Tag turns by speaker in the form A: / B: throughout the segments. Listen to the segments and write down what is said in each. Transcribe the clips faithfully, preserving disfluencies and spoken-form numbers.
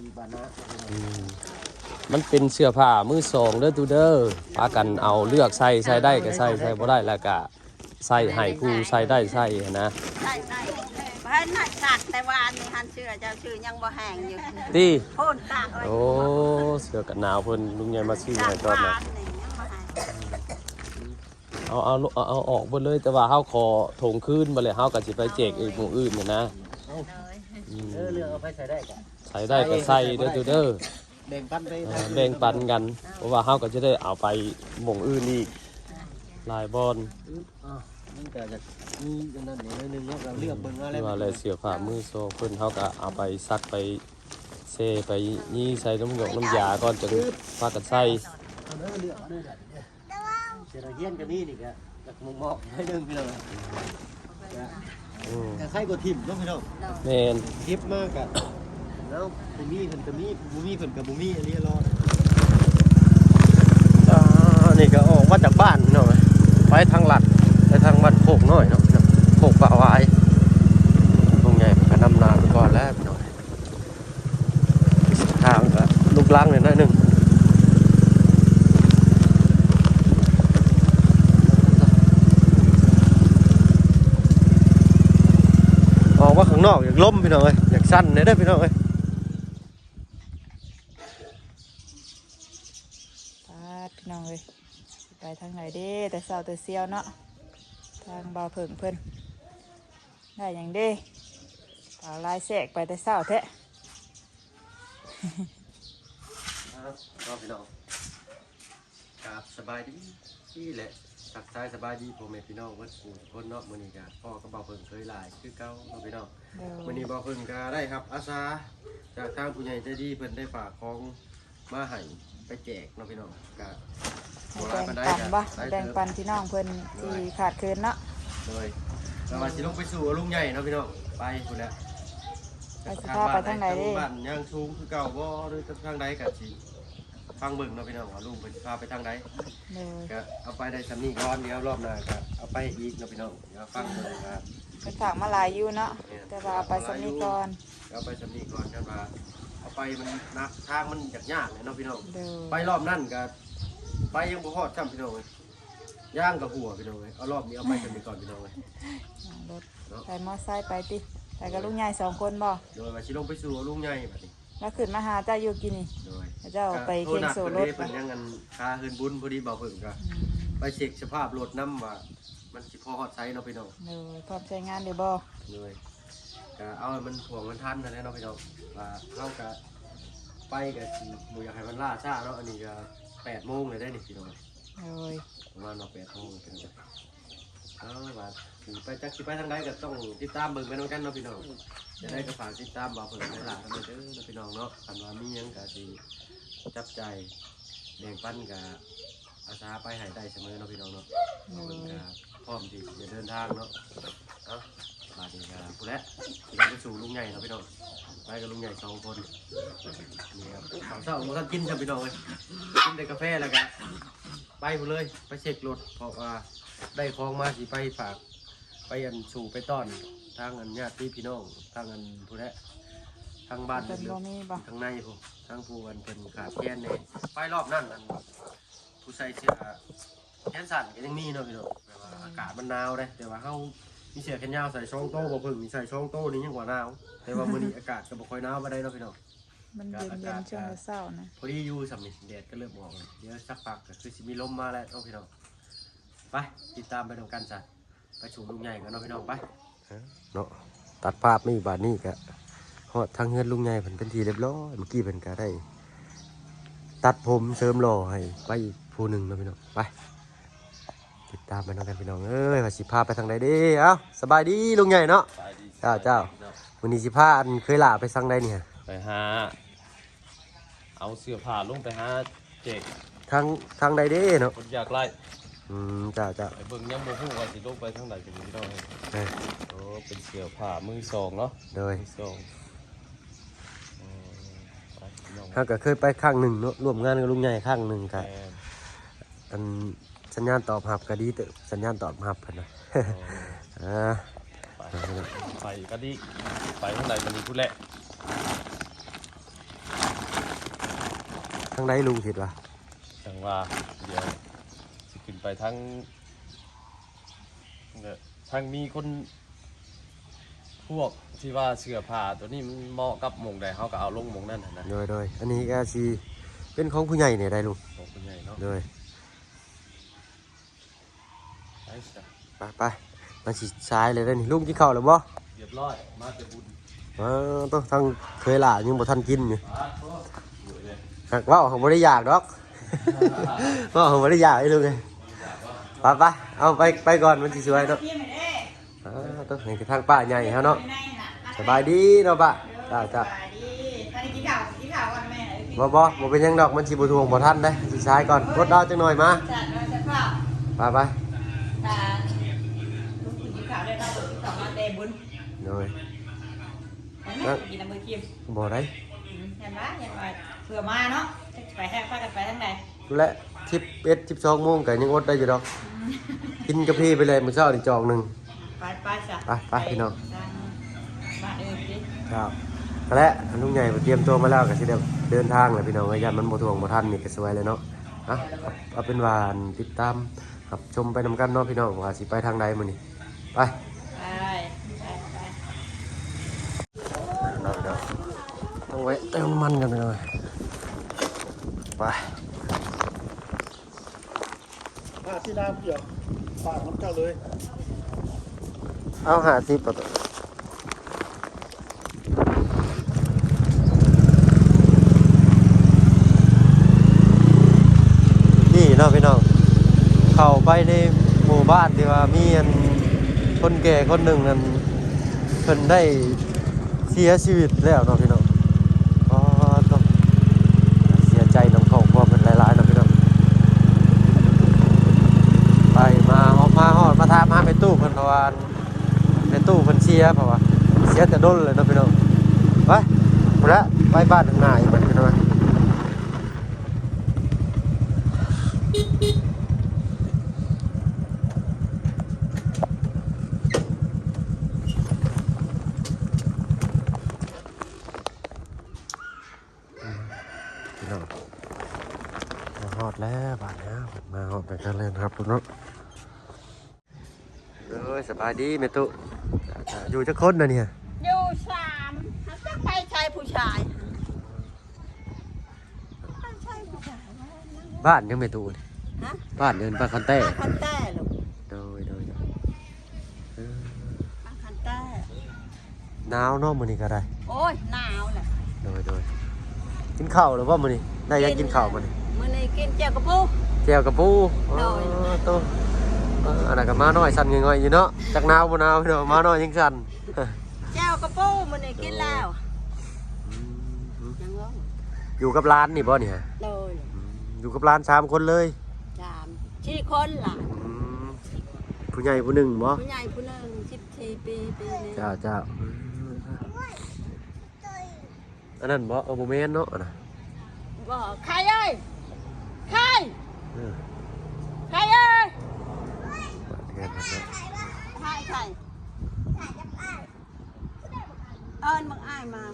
A: ที่บ้านนะ
B: มันเป็นเสื้อผ้ามือสองเด้อตูเด้อพากันเอาเลือกใส่ใส่ได้ก็ใส่ใส่บ่ได้แล้วก็ใส่ให้ผู้ใส่ได้ใส่นะ
C: ใส่ได้เพิ่นน่ะสักแต่ว่าอันนี้หันเสื้อเจ้าชื่อยังบ่แห้งอยู่
B: ติ
C: โพ่นตาก
B: โอ้เสื้อกันหนาวเพิ่นลุงใหญ่มาซื้อให้ก่อนนะเอาเอาเอาเอาออกหมดเลยแต่ว่าเฮาขอถงคืนบ่เลยเฮาก็สิไปแจกอีกหมู่อื่นน่ะนะ
A: เออเรื่องเอาไปใส่ได้ก็
B: ใส่ได้ก็ใส่เด้อตูเด้อ
A: แบ่งปันไป
B: แบ่งปันกันเพราะว่าเฮาก็จะได้เอาไปหม่องอื่นอีกหลายบอน
A: มันก็จะมีอันนั้นนิดนึงเนาะเราเลือกเบิ่งอะไร
B: ว่าอะไรเสื้อผ้ามือโซเพิ่นเฮาก็เอาไปซักไปเซไปยี่ใส่น้ำหยกน้ำยาก่อนจะพากันใส่
A: เอาเด้อเลือกเอาเด้อเสียเฮียนก็มีนี่ก็จากมุมมองให้นึงพี่น้องก็ใส่ก็ทิ่มเนาะพี่น้อง
B: แม่น
A: ทิ่มมากก็แล้วบ่มีเพิ่นก็มีบ่มีเพิ่นก็บ่มีอันนี้รอ
B: อ่านี่ก็ออกมาจากบ้านเนาะไปทางลัดไปทางบ้านโคกน้อยเนาะโคกปะวายตรงใหญ่ก็นำนาไปก่อนแล้วพี่น้องทางก็ลูกลังเนี่ยน้อยนึงออกว่าข้างนอกอยากล้มพี่น้องเอ้ยอยากสั้นเนี่ยได้พี่น้องเอ้ย
D: พี่น้องเลยไปทางไหนเด้แต่เศร้าแต่เซียวเนาะทางบ่าวเพิ่งเพิ่นได้อย่างเด้เปล่าลายแสกไปแต่เศร้าแท้
B: ก็พี่น้องครับสบายดีนี่แหละทักทายสบายดีพ่อแม่พี่น้องวัดกูคนเนาะมื้อนี้ก็พ่อก็บ่าวเพิ่งเคยหลายคือเก่าเนาะพี่น้องมื้อนี้บ่าวเพิ่งก็ได้ครับอาสาจากทางผู้ใหญ่ใจดีเพิ่นได้ฝากของมาให้ไปแจกเนาะพี่น้องก็
D: แบ่งปันบ่แบ่งปันพี่น้องเพิ่นที่ขาดเคินเนาะ
B: โดยเราสิลงไปสู่ลุงใหญ่เนาะพี่น้องไปพุ่นน่ะ
D: ไปสิพาไปทางไหนเด้
B: บ้านยังสูงคือเก่าบ่หรือทางใดก็สิฟังเบิ่งเนาะพี่น้องว่าลุงเพิ่นพาไปทางใดก็เอาไปได้สำนี้ก่อนเดี๋ยวรอบหน้าก็เอาไปอีกเนาะพี่น้องเดี๋ยวฟังเบิ่งครับ
D: ไปฝากมาหลายอยู่เนาะแต่ว่าเอาไปสำนี้ก่อน
B: เอาไปสำนี้ก่อนกันว่าเอาไปมันนักทางมันยากๆเนาะพี่น้องไปรอบนั้นก็ไปยังบ่ฮอดซ้ำพี่น้องเลยย่างกับหัวพี่น้องเลยเอารอบนี้เอาไปกันไปก่อนพี่น้องเลย
D: รถใส่มอไซค์ไปติใส่กับลุงใหญ่สองคนบ่
B: โดยมาชิลงไปสู่ลุงใหญ่แบบนี้
D: แล้วขึ้นมาหาเจ้าอยู่กินนี่
B: โดย
D: เจ้าไปเคียงโซ่รถ
B: เป็นยังเงินคาเฮินบุญพอดีเบาเพิ่งก็ไปเช็คสภาพรถน้ำว่ามันสิพอฮอดไซส์เนาะพี่น้อง
D: โดยพร้อมใช้งานเดี๋ยวบ่
B: โดยก็เอามันถ่วงมันทันนะเนาะพี่น้องว่าเข้ากับไปกับหมูอยากให้มันล่าช้าเนาะอันนี้ก็แปดโมงเลยได้นี่พี่น้อง
D: เลย
B: ประมาณเราแปดโมงเป็นไงเอาว่าไปจักสิไปทางใดก็ต้องติดตามเบิ่งไปน้องกันเนาะพี่น้องจะได้กระฝากติดตามบ่าวเพิ่นในหลานเด้อพี่น้องเนาะคันว่ามีหยังก็สิจับใจแบ่งปันกับอาสาไปให้ได้เสมอเนาะพี่น้องเนาะเพิ่นก็พร้อมที่จะเดินทางเนาะเอ้าบาดนี้ก็ผู้และสิไปสู่ลุงใหญ่เนาะพี่น้องไปกับลุงใหญ่สองคนนี่ครับข้าวเช้าบ่ทันกินครับพี่น้องเอ้ยกินแต่กาแฟแล้วก็ไปหมดเลยไปเช็ครถเพราะว่าได้ของมาสิไปฝากไปอันสู่ไปต้อนทางอันญาติพี่น้องทางอันผู้และทางบ้านเรื
D: อ
B: ทางในผมทางผู้อันเป็นขาแค้นเนี่ยไปรอบนั่นอันผู้ใส่เสื้อแขนสั้นก็ยังมีเนาะพี่น้องแต่ว่าอากาศมันหนาวเลยแต่ว่าเขามีเสื้อแขนยาวใส่ช่องโต้บ่เพิ่งมีใส่ช่องโต้นี่ยังกว่าหนาวแต่ว่ามื้อนี้อากาศก็บ่ค่อยหนาวมาได้เนาะพี่น้อง
D: มันเย็นเย็นช่วงเช้านะ
B: พอดีอยู่สำนี่แดดก็เริ่มออกเลยเดี๋ยวสักพักก็คือสิมีลมมาแล้วเนาะพี่น้องไปติดตามไปดูกันจ้ะไปชูลุงใหญ่กันเนาะพี่น้องไปเนาะตัดภาพไม่บาดนี่กะฮอดทางเฮือนลุงใหญ่เพิ่นเป็นทีเรียบร้อยเมื่อกี้เพิ่นก็ได้ตัดผมเสริมหล่อให้ไปอีกผู้หนึ่งเนาะพี่น้องไปติดตามไปน้องกันพี่น้องเอ้ยว่าสิพาไปทางใดดีเอ้าสบายดีลุงใหญ่เนาะเจ้าเจ้าวันนี้สิพาอันเคยลาไปทางใดเนี่ยไปหาเอาเสื้อผ้าลงไปหาเจ๊กทางทางใดเด้เนาะคนอยากไล่อืมจ้าจ้าไปเบิ่งยังโมโหว่าสิลงไปทางใดกันพี่น้องเอ้ยโอ้เป็นเสื้อผ้ามือสองเนาะโดยมือสองถ้าก็เคยไปข้างหนึ่งเนาะร่วมงานกับลุงใหญ่ข้างหนึ่งครับอันสัญญาณตอบรับก็ดีเตอสัญญาณตอบรับกันนะอ่าไปก็ดีไปทางใดมันดีพูดแหละทางใดลุงคิดว่า
E: จังว่าเดี๋ยวสิขึ้นไปทั้งเนี่ยทั้งมีคนพวกที่ว่าเสื้อผ้าตัวนี้มันเหมาะกับหมงใดเขาก็เอาลงหมงนั่นน่ะนะ
B: โดยโดยอันนี้ก็สิเป็นของผู้ใหญ่เนี่ยได้ลุง
E: ของคนใหญ่เนาะ
B: โดย
E: ไปจ้ะ
B: ไปไปมาสิซ้ายเลยได้อนี่ลุงกินข้าวแล้วบ่
E: เรียบร้อยมาแต่บุญ
B: อ๋อต้องทางเคยล่ะยังบ่ทันกินอยู่
E: อ่ะโอ้สวยเลย
B: หากว่าเขาบ่ได้อยากดอก ว่าเขาบ่ได้อยากไอ้ลุงเลยไปไปเอาไปไปก่อนมันสิสวยเนาะอ่าต้องให้ทางป้าใหญ่เฮาเนาะสบายดีเนาะป้าจ้าจ้า
D: ท่านกินข้าวกินข้าวก่อนแม่
B: บ่บ่บ่เป็นหยังดอกมันสิบ่ทวงบ่ทันเด้สิซ้ายก่อนกดดาวจังหน่อยมา
D: จัดมาจัดข้าว
B: ไปไป
D: ตาลุงกินข้าวได้เราเปิดกินข้าวมาเตะบุญ
B: โดย
D: เห็นไหมกินน้ำมือกิม
B: บ่ได้
D: เห็นไหมเห็นไหมเผื่อมาเนาะไปแทกพากันไปทั้งไหน
B: และสิบเอ็ด สิบสองโมงก็ยังอดได้อยู่ดอกกินกาแฟไปเลยมื้อเช้านี่จอกหนึง
D: ไปไปจ้ะ
B: ไปไปพี่น้อง
D: บ้านอื่นดิ
B: ครับและลุงใหญ่เตรียมตัวมาแล้วก็สิได้เดินทางเลยพี่น้องญาติมันบ่ทวงบ่ทันนี่ก็สวยเลยเนาะอ่ะเอาเป็นว่าติดตามครับชมไปนำกันเนาะพี่น้องว่าสิไปทางใดมื้อนี้ไป
D: ไปไปไป
B: เนาะเนาะต้องไว้เติมน้ำมันกันไปหน่อยไป
A: ผ้าที่น้ำเปียกปากน้ำเจ้าเลย
B: เอาห้าสิบประตูนี่เนาะพี่น้องเข้าไปในหมู่บ้านที่ว่ามีอันคนแก่คนหนึ่งอันเพิ่นได้เสียชีวิตแล้วเนาะพี่น้องอ๋อต้องเสียใจนำครอบครัวเพิ่นหลายๆเนาะพี่น้องไปมาออกมาฮอดมาถามหาไปตู้เพิ่นเพราะว่าไปตู้เพิ่นเสียเพราะว่าเสียแต่ดนเลยเนาะพี่น้องไปพุ่นละไปบ้านทางหน้าอีกบัดพี่น้องพี่น้องมาฮอดแล้วบ้านเนี้ยมาฮอดไปกันเลยนะครับพี่น้องเอ้ยสบายดีแม่ตุอยู่จักคนน่ะเนี่ย
C: อยู่สามจะไปชายผู้ชายไปชายผู้ชาย
B: บ้านยังแม่ตุนี่
C: ฮะ
B: บ้านเดินบ้านคันแต้
C: บ้านคันแต้ลูก
B: โดยโดยโดยเออ
C: บ้านคันแต้
B: หนาวเนาะมื้อนี้ก็ได้
C: โอ้ยหนาวแหละ
B: โดยโดยกินข้าวหรือว่ามื้อนี้ได้ยังกินข้าวมื้อนี้
C: มื้อนี้กินเจียวกระปู
B: แจ่วกับปู
C: โดย
B: อ๋อโตเอออันนั้นก็มาน้อยสั่นง่อยๆอยู่เนาะจักหนาวบ่หนาวพี่น้องมาน้อยยังสั่น
C: เจียวกระปูมื้อนี้กินแล้วยังร้อง
B: อยู่กับร้านนี่บ่เนี่ย
C: โดย
B: อยู่กับร้านสามคนเลย
C: สามสี่คนล่ะ
B: อืมผู้ใหญ่ผู้หนึ่งบ่
C: ผู้ใหญ่ผู้หนึงสิบสี่ปีปีนี้
B: เจ้าเจ้าอันนั้นบ่เออบ่แม่นเนาะอันน่ะ
C: บ่ใครเอ้ยใคร
B: เออ
C: ใครเอ้ย
B: บ้านเรือนนั่นเนาะ
C: ใครใครเอิ้นบังอ้ายมา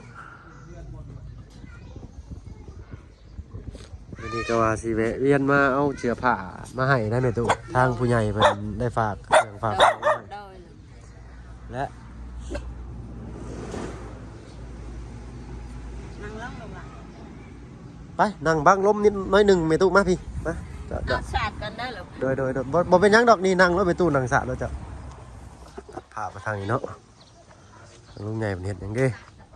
B: วันนี้ก็ว่าสิแวะเวียนมาเอาเสื้อผ้ามาให้ได้แม่ตุทางผู้ใหญ่เพิ่นได้ฝากเครื่องฝากของไว้
C: โดย
B: และ
C: นั่งร้องลงล่ะ
B: ไปนั่งบังลมนิดน้อยหนึ่งเมตุมาพี่มาจะจะ
C: เอาสาดกันได้หรอ
B: โดยโดยโดยบ่บ่เป็นหยังดอกนี่นั่งรถเมตุนั่งสระแล้วจะตัดภาพมาทางนี้เนาะลุงใหญ่เป็นเห็ดหยังเด้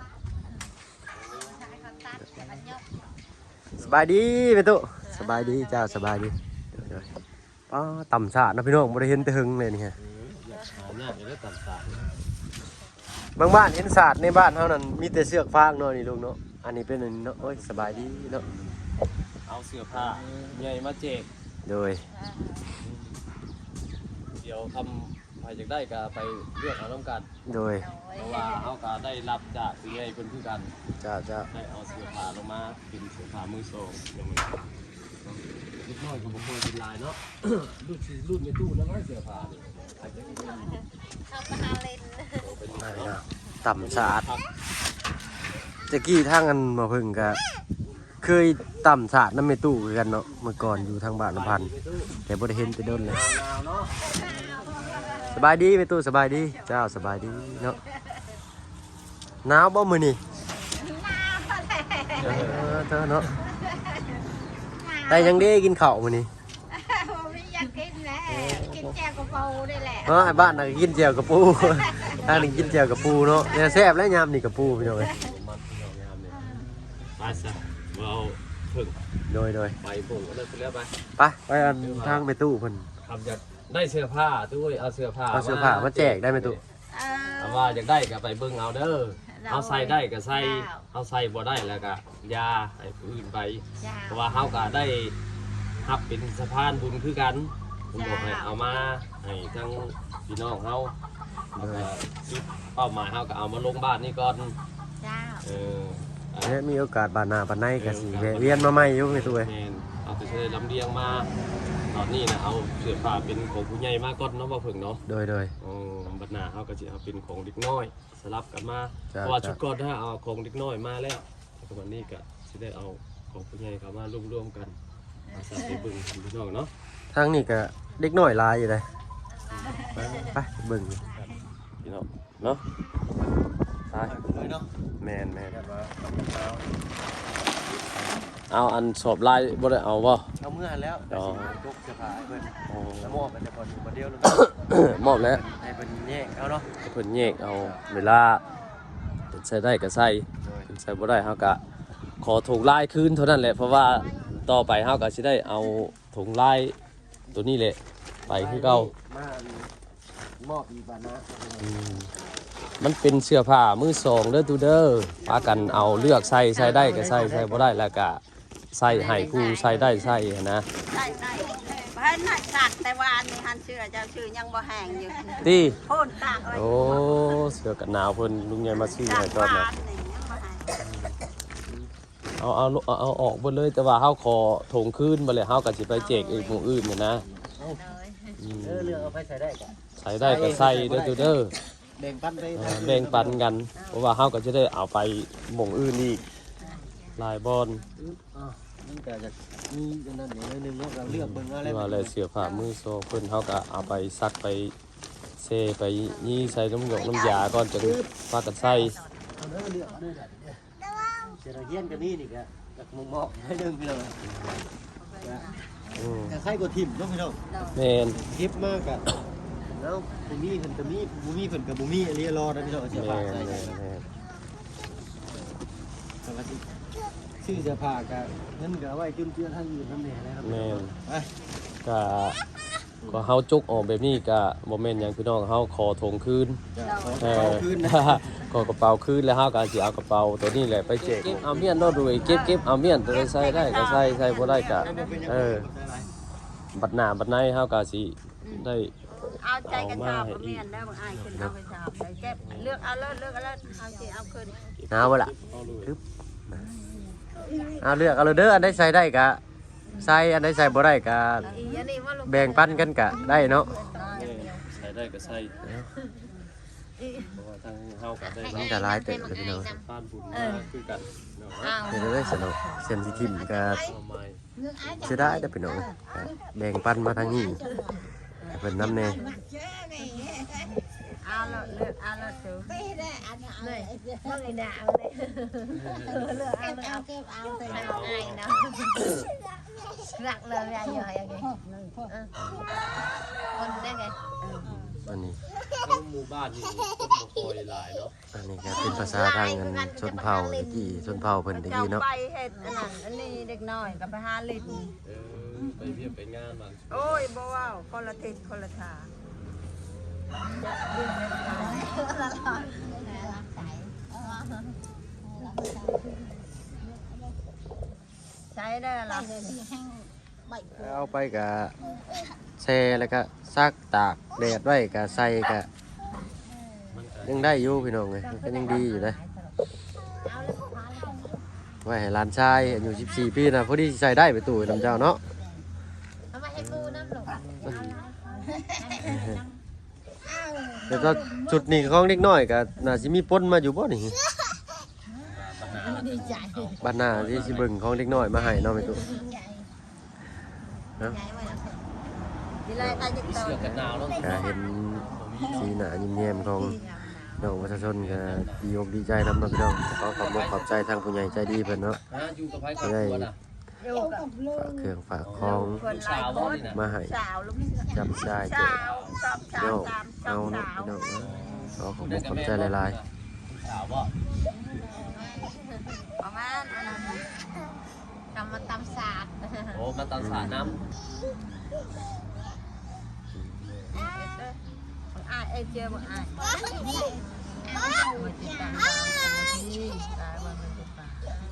B: สบายดีเมตุสบายดีจ้าสบายดีเดี๋ยวๆป้าต่ำสระนะพี่น้องบ่ได้เห็นแต่หึงเลยนี่ฮะ
E: หาเนี่ยจะได้ต่ำตา
B: บางบ้านเห็นสระในบ้านเฮานั่นมีแต่เสือกฟางเนาะนี่ลุงเนาะอันนี้เป็นอันนี้เนาะโอ้ยสบายดีเนาะ
E: เอาเสื้อผ้าใหญ่มาแจก
B: โดย
E: เดี๋ยวทำใครจะได้ก็ไปเลือกเอาน้ำกัน
B: โดย
E: เพราะว่าเขาก็ได้รับจากผู้ใหญ่คนคือกัน
B: จ้าจ้า
E: ได้เอาเสื้อผ้าลงมาเป็นเสื้อผ้ามือสองอย่างนี้เล็กน้อยก็บ่ควรเป็นลายเนาะ รูดสีรูดในตู้แล้วก็เสื้อผ้านี่อาจจะเป็น
C: เอาไปหาเล่น
E: เป็น
B: ไม่นะต่ำสะอาดตะกี้ทางอันมาพึ่งกะเคยต่ำสาดน้ำเมตู้คือกันเนาะเมื่อก่อนอยู่ทางบ้านลำพันธ์แต่บ่ได้เห็นแต่โดนเลยสบายดีเมตู้สบายดีเจ้าสบายดีเนาะหนาวบ่มื้อนี้เออเธอเนาะแต่ยังได้กินข้าวมื้อนี้
C: ไม่อยากกินแล้วกินแจวกระเป๋าได้แหละ
B: เนาะไอ้บ้านน่ะกินแจ่วกับปู ทางนี้กินแจ่วกับปูเนาะเนี่ยแซ่บแล้วยามนี่กับปูพี่น้องเอ้ย
E: มันพี่น้องยามเนี่ยไปซะเราเพิ่ง
B: โดยโดย
E: ไปผมก็ได้ไปแล้วไป
B: ไปไปอันทางไปตู้เพิ่น
E: ทำจะได้เสื้อผ้าด้วยเอาเสื้อผ้า
B: เอาเสื้อผ้ามาแจกได้ไหมตู้
C: เอ
E: เอา
C: อ
E: ว่าอยากได้ก็ไปเบิ่งเอาเด้อเอาใส่ได้ก็ใส่เอาใส่บ่ได้แล้วก็ยาให้ผู้อื่นไป
C: จ้า
E: เพราะว่าเฮาก็ได้รับเป็นสะพานบุญคือกันผมบอกให้เอามาให้ทั้งพี่น้องเฮาแล้วก็คิดเป้าหมายเฮาก็เอามาลงบ้านนี่ก่อน
C: จ้า
E: เอออ่ะ
B: เนี่ยมีโอกาสบานหน้าบานในก็สิแวะเวียนมาใหม่อยู่ไปตู้เอ้ย
E: แม่นเอาแต่เสื้อลำเลียงมาตอนนี้นะเอาเสื้อผ้าเป็นของผู้ใหญ่มาก่อนเนาะบ่เพิ่งเนาะ
B: โดยโดย
E: อ๋อบัดหน้าเฮาก็สิเอาเป็นของเด็กน้อยสลับกันมา
B: จ้ะ
E: เพราะว่า
B: จ้ะ
E: ชุดก่อนถ้าเอาของเด็กน้อยมาแล้วแต่วันนี้ก็สิได้เอาของผู้ใหญ่เข้ามารวมๆกันมาใส่ไปเบิ่งพี่น้องเนาะ
B: ทางนี้ก็เด็กน้อยหลายอยู่เลยไปไปเบิ่ง
E: พี่น้องเนาะ
B: ไป
A: เลยเนาะ
B: แม่นแม่น
E: เอาอันสอบลายบ่ได้เอาบ่
A: เอาเมื่อแล้ว
E: อ๋อ
A: ยกเสื้อผ้าให้เพิ่น
E: อ๋อ
A: แล้วมอบมันจะพออยู่คนเดียวเลย
E: มอบแล้ว
A: ให้เพิ่นแยกเอาเนาะ
E: เพิ่นแยกเอาเวลาใส่ได้ก็ใส่ใส่บ่ได้เฮาก็ขอถุงลายคืนเท่านั้นแหละเพราะว่าต่อไปเฮาก็สิได้เอาถุงลายตัวนี้แหละไปคือเก่าม
A: อบอีกบานะ
E: อืมมันเป็นเสื้อผ้ามือสองเด้อตูเด้อพากันเอาเลือกใส่ใส่ได้ก็ใส่ใส่บ่ได้แล้วก็ใส่ให้ผู้ใส่ได้ใส่นะ
C: ใช่ใช่เพราะน่ะสักแต่วานนี่หันเชื่อเจ้าชื่อยังบ่แห้งอยู่
E: ติ
C: โพ่นตากไว้
E: โอ้เสื้อกันหนาวเพิ่นลุงใหญ่มาซื้อ
C: ตา
E: ให้
C: ก
E: ก่อน
C: วา
E: นะ
C: นนี่ยังบ่แห้ง
E: เอาเอาเอาเอาออกเบิดเลยแต่ว่าเฮาขอถงคืนบ่เลยเฮาก็สิไปแจกอีกหมู่อื่นน่ะนะอืม
A: เออเรื่องเอาไปใส่ได้ก่อน
E: ใส่ได้ก็ใส่เด้อตูเด้อ
A: แบ่งปันไป
E: เออแบ่งปันกัน เพราะว่าเฮาก็จะได้เอาไปหม่องอื่นอีกหลายบอน
A: อ่ามันก็จะมีอันนั้นอย่างนึงเนาะเราเลือกเบิ่งว่า
E: ห
A: อะไร
E: รือว่าอะไรเสื้อผ้ามือโซเพิ่นเฮาก็เอาไปซักไปเซไปยี่ใส่น้ำหยกน้ำยาก่อนจะพากันใส่
A: เอาเด้อเลือกเอาเด้อเด้อเสื้อเฮียนกันนี่นี่ก็จากมงมอกให้ดึงพี่น้อง
E: อืม
A: แต่ใครก็ทิ่มเนาะพี่น้อง
E: แม่น
A: คลิปมากอะแล้วบ่มีเพิ่นก็มีบ่มีเพิ่นก็บ่มีอันนี้รอนะพี่น้องเสื้อ
E: แม่
A: ผ้าน ใส่
E: แม่นแม่น
A: ปกติซื้อเสื้อผ้าก็เงินก็เอาไว้จุนเจือทางอื่นนำแหน่เลยครับ
E: แม่น
A: ไป
E: ก็ก็เฮาจุกออกแบบนี้ก็บ่แม่นหยังพี่น้องเฮาขอถงคืน
A: จะขอ
E: เอ
A: เอา
E: อ
A: คืนนะ
E: ก็กระเป๋าคืนแล้วเฮาก็สิเอากระเป๋าตัวนี้แหละไปแจกเอาเมียนเนาะด้วยเก็บเก็บเอาเมียนตัวใดใส่ได้ก็ใส่ใส่บ่ได้ก็เออบัดหน้าบัดในเฮาก็สิได้
C: เอาใจกันชอบบ่แม่นแล้วบ่อายขึ้นเอาไปชอบไปเก็บเลือกเอาเลิศเลือกเอาเลิศเอาสิเอาขึ้น
B: เอาบ่ล่ะปึ๊บเอาเลือกเอาเลยเด้ออันใดใส่ได้ก็ใส่อันใดใส่บ่ได้ก็
C: อีอันนี้ว่าลูก
B: แบ่งปันกันก็ได้เนาะ
E: ใส่ได้ก็ใส่เพราะว่าทางเฮาก็ได้
B: มันก็หลายเติบเลยพี่น้อง
E: ทานบุญมาคือกันเนาะ
C: อ้าว
B: เดี๋ยวได้สนุกเส้นสิทิมก็
E: เอาใหม่
B: เสียดายเด้อพี่น้องก็แบ่งปันมาทางนี้ให้เพิ่นนำแน่
C: เอาเลิศเลือกเอาเลิศสูเลยว่าไงด่าเอาเลยเลือกเอาเลือกเอาเก็บเอาแต่ไม่เอาง่ายเนาะรักเลยอะไรอยู่อย่างงี้คนได้ไง
B: อันนี้
E: ทั้งหมู่บ้านนี่คนบ่ค่อยหลายเนาะ
B: อันนี้ก็เป็นภาษาทางเงินชนเผ่าตะกี้ชนเผ่าเพิ่นตะกี้เนาะ
C: ไปเห็ดอันนั้นอันนี้เด็กน้อยกับไปหาลิน
E: เออไปเวียนไปงานบาง
C: โอ้ยบ่ว้าวคนละทิศคนละทางใช้ได้หรอ
B: เอาไปก็แช่แล้วก็ซักตากแดดไว้ก็ใส่ก็ยังได้อยู่พี่น้องเลยมันก็ยังดีอยู่เลยไว้ให้หลานชายอายุสิบสี่ปีนะพอดีใส่ได้ไปตู่น้ำเจ้าเนาะ
C: เอามาให้ปูน้ำหลง
B: แต่ก็จุดนี้ของเด็กน้อยก็น่าสิมีปนมาอยู่บ่นี่
E: ปัญหา
C: ดีใจ
E: บ้านหน้าที่สิเบิ่งของเด็กน้อยมาให้เนาะแม่ตุ
C: ใหญ่
E: เนาะ
C: ใหญ่ไว้แล้วดีเลยตายจะโต
E: ก็เห็นสีหน้ายิ้มแย้มของน้องประชาชนก็ดีอกดีใจนำเนาะพี่น้องขอขอบคุณขอบใจทางผู้ใหญ่ใจดีเพิ่นเนาะที่ได้
C: อยู่กับลูก
E: ฝากเครื่องฝากของ
C: คนหลายคน
E: มาให้
C: สาวลูก
E: จับได้แจ
C: สาก วสองสา
E: เนา
C: วสามสอ
E: เอา
C: ง
E: เนาะ
C: สาว
E: พี่น้องเนาะขอขอบคุณขอบใจหลาย
C: ประมาณอันนั้นทำมาตำสาด
E: ๆโอ้มาตอนสาน้ำ
C: อ่าเอเจอบ่อ่ามาติดตามที่ตายวันมันจะตาย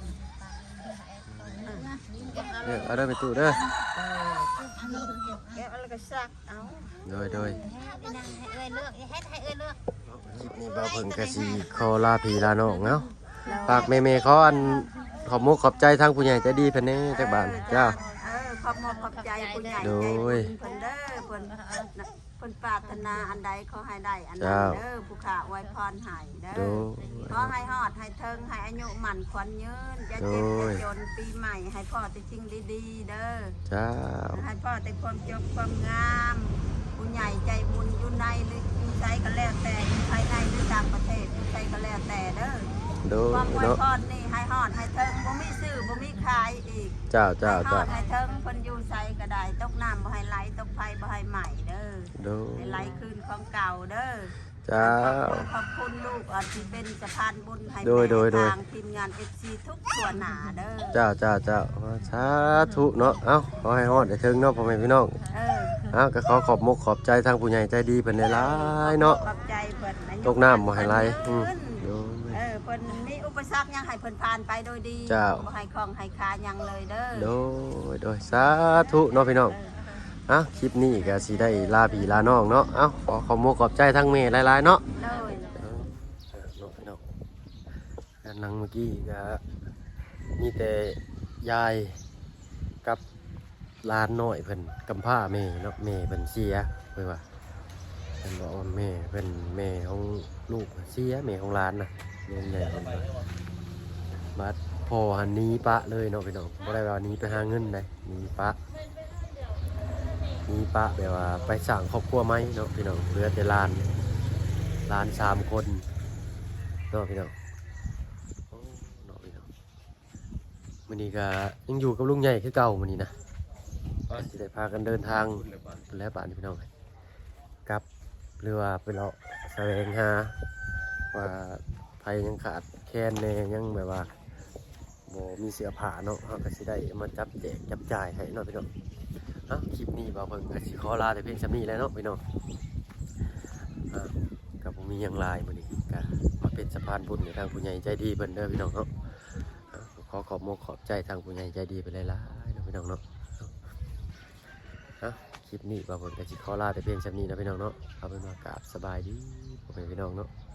E: เด้อเอาเด้อไปตู้เด้อ
C: แกะแล้วก็ซักเอา
E: โดยโดย
C: ให้เอ้ยเลือกให้ให้เอ้ยเลือก
E: คลิปนี้บ่าวเพิ่งก็สิขอลาพี่ลาน้องเนาะฝากแม่ๆขออันขอบมุกขอบใจทางผู้ใหญ่ใจดีเพิ่นแหน่จักบาทเจ้า
C: เออขอบมขอบใจผู้ใหญ่ใจ
E: โด
C: บุ
E: ย
C: ญเพิ่นเด้อเพิ่นเพิ่นปรารถนาอันใดขอให้ได้อันนั้นเด้อผู้ข้าอวยพรให้เด้
E: โด
C: อย ขอให้ฮอดให้เทิงให้อายุมั่นขวัญยืนอย่าเจ็บ
E: โด
C: อย่าย จนปีใหม่ให้พ่อแต่สิ่งดีๆเด้อ
E: เจ้า
C: ให้พ่อแต่ความจบความงามผู้ใหญ่ใจบุญอยู่ในหรืออยู่ไสก็แล้วแต่อยู่ภายในหรือต่างประเทศอยู่ไสก็แล้วแต่เด้อ
E: โด
C: ความอวย
E: เนาะ
C: พรนี่ให้ฮอดให้เทิงบ่มีซื้อบ่มีขายอีก
E: เจ้าเจ้า
C: ให้ฮอ
E: เจ้า
C: ดให้เทิงเพิ่นอยู่ไสก็ได้ตกน้ำบ่ให้ไหลตกไฟบ่ให้ไหม้เด้อ
E: โด
C: ให้ไหลคืนของเก่าเด้อ
E: เจ้า
C: ขอบคุณลูกอาที่เป็นสะพานบุญให้
E: โดยโดยโดย
C: ทางทีมงาน เอฟ ซี ทุกส่วนหนาเด้อ
E: เจ้าเจ้าเจ้าสาธุเนาะเอ้าขอให้ฮอดได้ถึงเนาะพ่อแม่พี่น้อง
C: เออ
E: เอ้าก็ขอขอบมุกขอบใจทางผู้ใหญ่ใจดีเพิ่นหลายๆเนาะ
C: ขอบใจเพิ่นอายุ
E: ตกน้ำบ่ให้ไหลอืม
C: เพิ่น
E: โดย
C: เออเพิ่นมีอุปสรรคหยังให้เพิ่นผ่านไปโดยดี
E: เจ้า
C: บ่ให้ของให้คาหยังเลยเด้อ
E: โดยโดยสาธุเนาะพี่น้องอ่ะคลิปนี้ก็สิได้ลาพี่ลาน้องเนาะเอ้าขอขอบมุกขอบใจทั้งแม่หลายๆเนาะ
C: เลย
E: เออเนาะพี่น้องด้านหลังเมื่อกี้ก็มีแต่ยายกับหลานน้อยเพิ่นกำพร้าแม่เนาะแม่เพิ่นเสียเพิ่นว่าเพิ่นบอกว่าแม่เพิ่นแม่ของลูกเสียแม่ของหลานน่ะแม่ใหญ่เพิ่นว่าบัดพ่อหันหนี้ปะเลยเนาะพี่น้องบ่ได้ว่าหนี้ไปหาเงินได้หนี้ปะหนี้ปะแบบว่าไปสร้างครอบครัวใหม่เนาะพี่น้องเหลือแต่หลานหลานสามคนเนาะพี่น้องโอ้เนาะพี่น้องมื้อนี้ก็ยังอยู่กับลุงใหญ่คือเก่ามื้อนี้นะก็สิได้พากันเดินทางแล้วบ้านนี่พี่น้องกลับหรือว่าไปเลาะแสวงหาว่าไผยังขาดแคลนแน่ยังแบบว่าบ่มีเสื้อผ้าเนาะเฮาก็สิได้มาจับแจกจับจ่ายให้เนาะพี่น้องเอ้าคลิปนี้บ่าวเพิ่นก็สิขอลาแต่เพียงส่ำนี้แหล้วเนาะพี่น้องอ่าก็บ่มีหยังหลายมื้อนี้ก็มาเป็นสะพานบุญให้ทางผู้ใหญ่ใจดีเพิ่นเด้อพี่น้องเนาะอ่าขอขอบมกขอบใจทางผู้ใหญ่ใจดีไปหลายๆเนาะพี่น้องเนาะเอ้าคลิปนี้บ่าวเพิ่นก็สิขอลาแต่เพียงส่ำนี้นะพี่น้องเนาะเอาเป็นว่ากราบสบายดีพ่อแม่พี่น้องเนาะ